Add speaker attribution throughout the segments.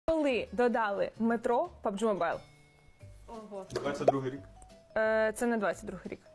Speaker 1: Коли додали метро PUBG Mobile?
Speaker 2: Ого.
Speaker 3: 22 рік.
Speaker 1: Це не 22-й рік.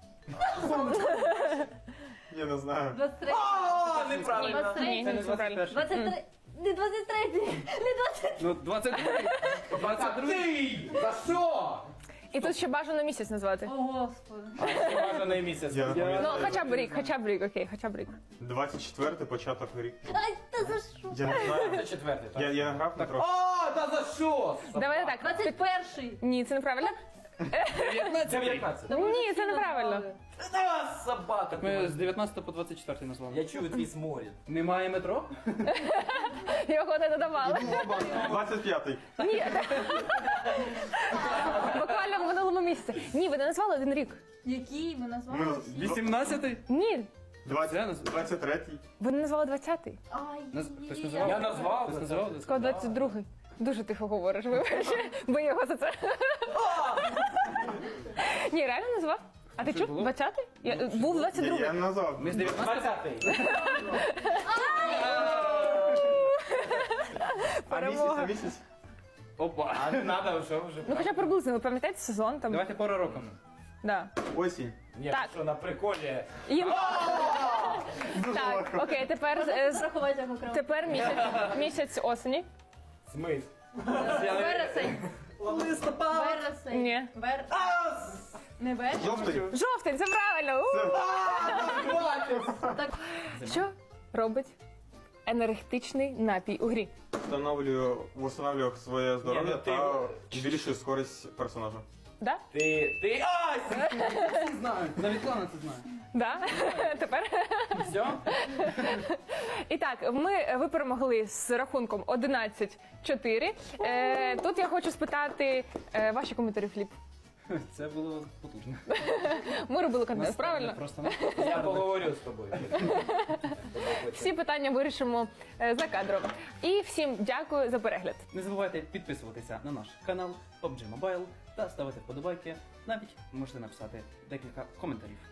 Speaker 3: Я не знаю.
Speaker 2: 23.
Speaker 4: О, неправильно.
Speaker 2: 23.
Speaker 4: Це не
Speaker 1: Це правильно.
Speaker 4: 21.
Speaker 2: 23. Не 23. Не 23.
Speaker 4: Ну, 22. 22. За що?
Speaker 1: І тут ще бажано місяць назвати.
Speaker 2: О, Господи.
Speaker 4: Бажаний місяць.
Speaker 3: Я не пам'ятаю.
Speaker 1: Ну, хоча б рік, окей, хоча б рік.
Speaker 3: 24-й початок рік.
Speaker 2: Ай, та за що?
Speaker 3: Я не знаю.
Speaker 4: Це четвертий, так?
Speaker 3: Я не грав на трохи.
Speaker 4: О, та за що?
Speaker 1: Давайте так.
Speaker 2: 21.
Speaker 1: Ні, це неправильно.
Speaker 4: 19.
Speaker 1: Ні, це неправильно.
Speaker 4: Та собака.
Speaker 5: Ми з 19 по 24 назвали.
Speaker 4: Я чую твій сморід.
Speaker 5: Немає метро?
Speaker 1: Його не додавали.
Speaker 3: 25-й.
Speaker 1: Ні. Буквально в минулому місяці. Ні, ви не назвали один рік.
Speaker 2: Який ми назвали?
Speaker 5: 18-й?
Speaker 1: Ні,
Speaker 3: 23-й.
Speaker 1: ви не назвали 20-й.
Speaker 2: Ай,
Speaker 5: Хтось
Speaker 2: ні.
Speaker 5: називав?
Speaker 4: Я назвав.
Speaker 5: Хтось назвав?
Speaker 1: Сказав 22-й. Дуже тихо говориш, вибач. Бо його за це. Ні, реально назвав? А ти
Speaker 5: Що
Speaker 1: чув?
Speaker 5: було?
Speaker 1: 20-й? Був 22-й.
Speaker 3: Я не назвав.
Speaker 5: Ми з 19
Speaker 4: 20-й.
Speaker 3: А місяць?
Speaker 5: Опа.
Speaker 4: А не треба, що вже.
Speaker 1: Ну хоча приблизно, ви пам'ятаєте сезон там?
Speaker 5: Давайте пора року.
Speaker 1: Да.
Speaker 3: Осінь.
Speaker 4: Ні,
Speaker 1: Так.
Speaker 4: що на приколі.
Speaker 1: Так, окей, тепер,
Speaker 2: Зарахувати як окремо.
Speaker 1: тепер місяць осені.
Speaker 4: Смис.
Speaker 2: Вересень.
Speaker 4: Листопад.
Speaker 2: Вересень.
Speaker 1: Ні.
Speaker 2: Не вересень.
Speaker 3: Жовтий.
Speaker 1: Жовтень, це правильно!
Speaker 2: Так.
Speaker 1: Що робить енергетичний напій у грі?
Speaker 3: Встановлюю своє здоров'я
Speaker 4: Ні, ну ти-
Speaker 3: та збільшую скорість персонажа.
Speaker 1: Да?
Speaker 4: Ти. Ай!
Speaker 5: Знаю. Навіть Лана це знає.
Speaker 1: Да? Тепер.
Speaker 4: Все?
Speaker 1: І так, ви перемогли з рахунком 11-4. Тут я хочу спитати ваші коментарі, Філіп.
Speaker 5: Це було потужно.
Speaker 1: Ми робили контент, правильно?
Speaker 5: Просто
Speaker 4: Я поговорю з тобою.
Speaker 1: Всі питання вирішимо за кадром. І всім дякую за перегляд.
Speaker 5: не забувайте підписуватися на наш канал PUBG Mobile та ставити вподобайки. Навіть можете написати декілька коментарів.